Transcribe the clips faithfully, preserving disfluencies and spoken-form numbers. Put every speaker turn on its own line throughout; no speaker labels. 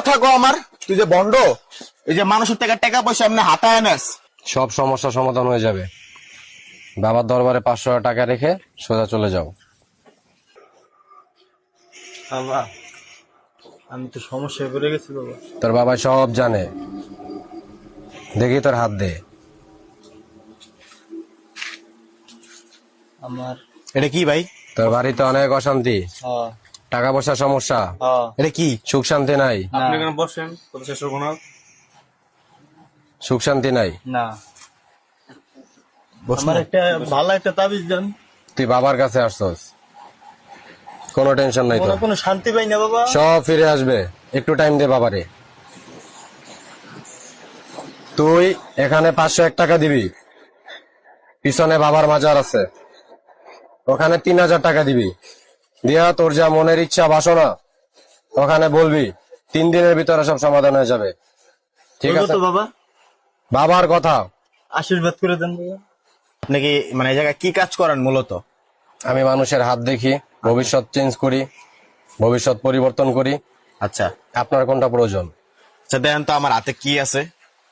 কথা কো আমার, তুই যে বন্ড, এই যে মানুষের টাকা টাকা পয়সা এমনি হাতায় আনাস।
সব সমস্যা সমাধান হয়ে যাবে। বাবার দরবারে পাঁচশো টাকা রেখে সোজা চলে যাও।
বাবা আমি তো সমস্যায় পড়ে গেছি বাবা।
তোর বাবা সব জানে, দেখি তোর হাত দে।
আমার
এটা কি ভাই?
তোর বাড়িতে অনেক অশান্তি,
হ্যাঁ
টাকা পয়সার সমস্যা,
হ্যাঁ
এটা কি?
সুখ শান্তি নাই,
আপনি কেন বসেন কত শেষ হবো না?
সুখ শান্তি নাই।
না
বস
আমার
না।
একটা ভালো একটা তাবিজ দেন।
তুই বাবার কাছে আসছস, কোনো টেনশন নাই
কোনো
তোর,
কোনো শান্তি পাই না বাবা।
সব ফিরে আসবে। একটু টাইম দে বাবারে। তুই এখানে পাঁচশো এক টাকা দিবি, পিছনে বাবার মাজার আছে, ওখানে তিন হাজার টাকা দিবি। দিয়া তোর যা মনের ইচ্ছা বাসনা ওখানে বলবি, তিন দিনের ভিতরে সব সমাধান হয়ে যাবে। ঠিক
বলবো
আছে?
তো বাবা,
বাবার কথা।
আশীর্বাদ করে দেন বাবা।
আপনি কি মানে এই জায়গায় কি কাজ করেন মূলত?
আমি মানুষের হাত দেখি, ভবিষ্যৎ চেঞ্জ করি, ভবিষ্যৎ পরিবর্তন করি।
আচ্ছা
আপনার কোনটা প্রয়োজন?
আচ্ছা দেখেন তো আমার হাতে কি আছে।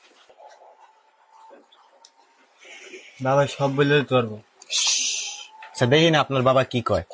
বাবা সব বলে দিতে পারবো।
আচ্ছা দেখি না আপনার বাবা কি কয়।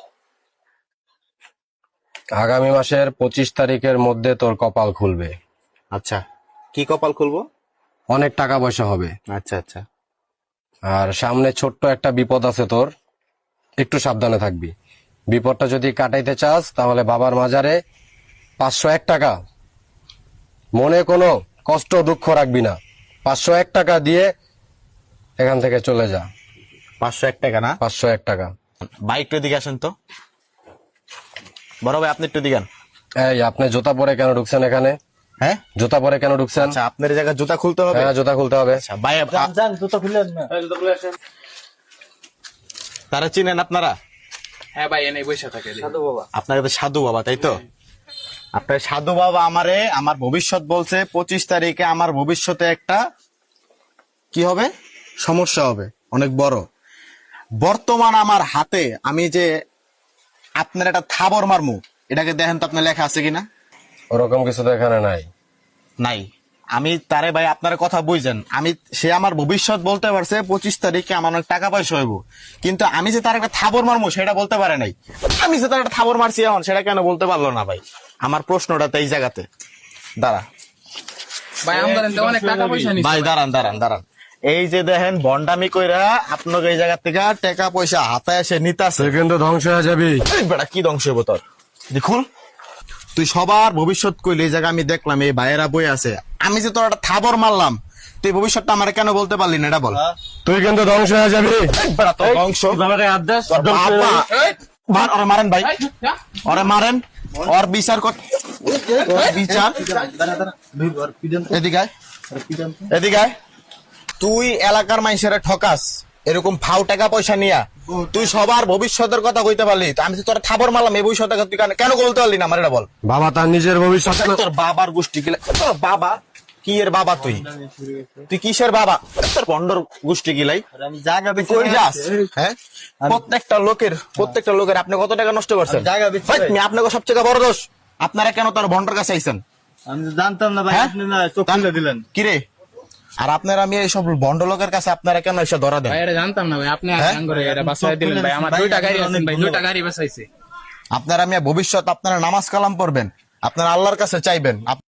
আগামী মাসের পঁচিশ তারিখের মধ্যে তোর কপাল খুলবে,
আচ্ছা কি কপাল খুলবো?
অনেক টাকা পয়সা হবে।
আচ্ছা আচ্ছা
আর সামনে ছোট্ট একটা বিপদ আছে তোর, একটু সাবধানে থাকবি। বিপদটা যদি কাটাইতে চাস তাহলে বাবার মাজারে পাঁচশো এক টাকা, মনে কোনো কষ্ট দুঃখ রাখবি না, পাঁচশো এক টাকা দিয়ে এখান থেকে চলে যা।
পাঁচশো এক টাকা না?
পাঁচশো এক টাকা।
ভাই একটু এদিকে আসেন তো। বড় ভাই আপনি একটু দিগান।
এই আপনি জুতা পরে কেন ঢুকছেন এখানে?
হ্যাঁ
জুতা পরে কেন ঢুকছেন?
আচ্ছা আপনার এই জায়গায় জুতা খুলতে হবে?
হ্যাঁ জুতা খুলতে হবে।
আচ্ছা ভাই আপ-
যান যান জুতো খুলেন না।
তারা চিনেন আপনারা?
হ্যাঁ ভাই এনে বসে থাকে
সাধু বাবা।
আপনার তো সাধু বাবা তাই তো? আপনার সাধু বাবা আমারে আমার ভবিষ্যৎ বলছে, পঁচিশ তারিখে আমার ভবিষ্যতে একটা কি হবে, সমস্যা হবে অনেক বড়। বর্তমান আমার হাতে আমি যে আপনার একটা থাবর মারমু, এটাকে দেখেন তো আপনার লেখা আছে কিনা?
ওরকম কিছু তো এখানে নাই।
নাই। আমি তারে ভাই আপনার কথা বুঝছেন, আমি সে আমার ভবিষ্যৎ বলতে পারছে পঁচিশ তারিখে আমার অনেক টাকা পয়সা হইব, কিন্তু আমি যে তার একটা থাবর মারমু সেটা বলতে পারে নাই। আমি যে তার একটা থাবর মারছি এখন সেটা কেন বলতে পারলো না ভাই? আমার প্রশ্নটা তো এই জায়গাতে। দাঁড়া
ভাই আমাদের তো অনেক টাকা পয়সা নিছে
ভাই, দাঁড়ান দাঁড়ান দাঁড়ান। এই যে দেখেন বন্ডামি কইরা আপনাকে এই জায়গা থেকে টাকা পয়সা হাতায় এসে নিতাছে।
তুই কিন্তু ধ্বংস হয়ে যাবি।
এই বেটা কি ধ্বংস হইব তোর? দেখুন তুই সবার ভবিষ্যৎ কইলে, এই জায়গা আমি দেখলাম এই ভাইয়েরা বই আছে, আমি যে তোর একটা থাবর মারলাম, তুই ভবিষ্যৎটা আমার কেন বলতে পারলি না এটা বল।
তুই কিন্তু ধ্বংস হয়ে যাবি।
এই বেটা তোর ধ্বংস।
বাবাকে আদেশ
তোর বাবা। মার, ওরে মারেন ভাই, ওরে মারেন, ওর বিচার কর, ওর বিচার। এদিকে আয়, এদিকে আয়। তুই এলাকার মানুষের ঠকাস এরকম ফাউ টাকা পয়সা নিয়া, তুই সবার ভবিষ্যতের কথা কইতে পারলি, তো আমি তো তোর থাবর মারলাম এই ভবিষ্যতের কথা তুই কেন- কেন বলতে পারলি না আমার এটা বল।
বাবা তার নিজের ভবিষ্যৎ
তোর বাবার গোষ্ঠী গিলা, তোর বাবা কি এর বাবা? তুই তুই কিসের বাবা? তোর বন্ডর গোষ্ঠী গিলাই
আমি জায়গা
তুই
বেচে
কই যাস? হ্যাঁ প্রত্যেকটা লোকের প্রত্যেকটা লোকের আপনি কত টাকা নষ্ট করছেন?
আমি জায়গা বেচে
ভাই,
ভাই।
তুমি আপনাকে সবচেয়ে বড় দোষ। আপনারা কেন তোর বন্ডর কাছে আইছেন?
আমি তো জানতাম না ভাই,
হ্যাঁ?
আপনি না চোখ খুলে দিলেন।
কিরে, আর আপনারা আমি এইসব বন্ড লোকের কাছে আপনারা কেন এসে ধরা দেন?
ভাই এটা জানতাম না ভাই, আপনি
হ্যাঁ?
আঙ্গুরে এটা বাঁচাই দিলেন ভাই। আমার
ভাই,
দুইটা গাড়ি
আপনার
আছে
অনেক
ভাই, দুইটা
ধন্যবাদ।
গাড়ি বাঁচাইছে।
আপনারা আমি ভবিষ্যৎ আপনারা নামাজ কালাম পড়বেন, আপনারা আল্লাহর কাছে চাইবেন।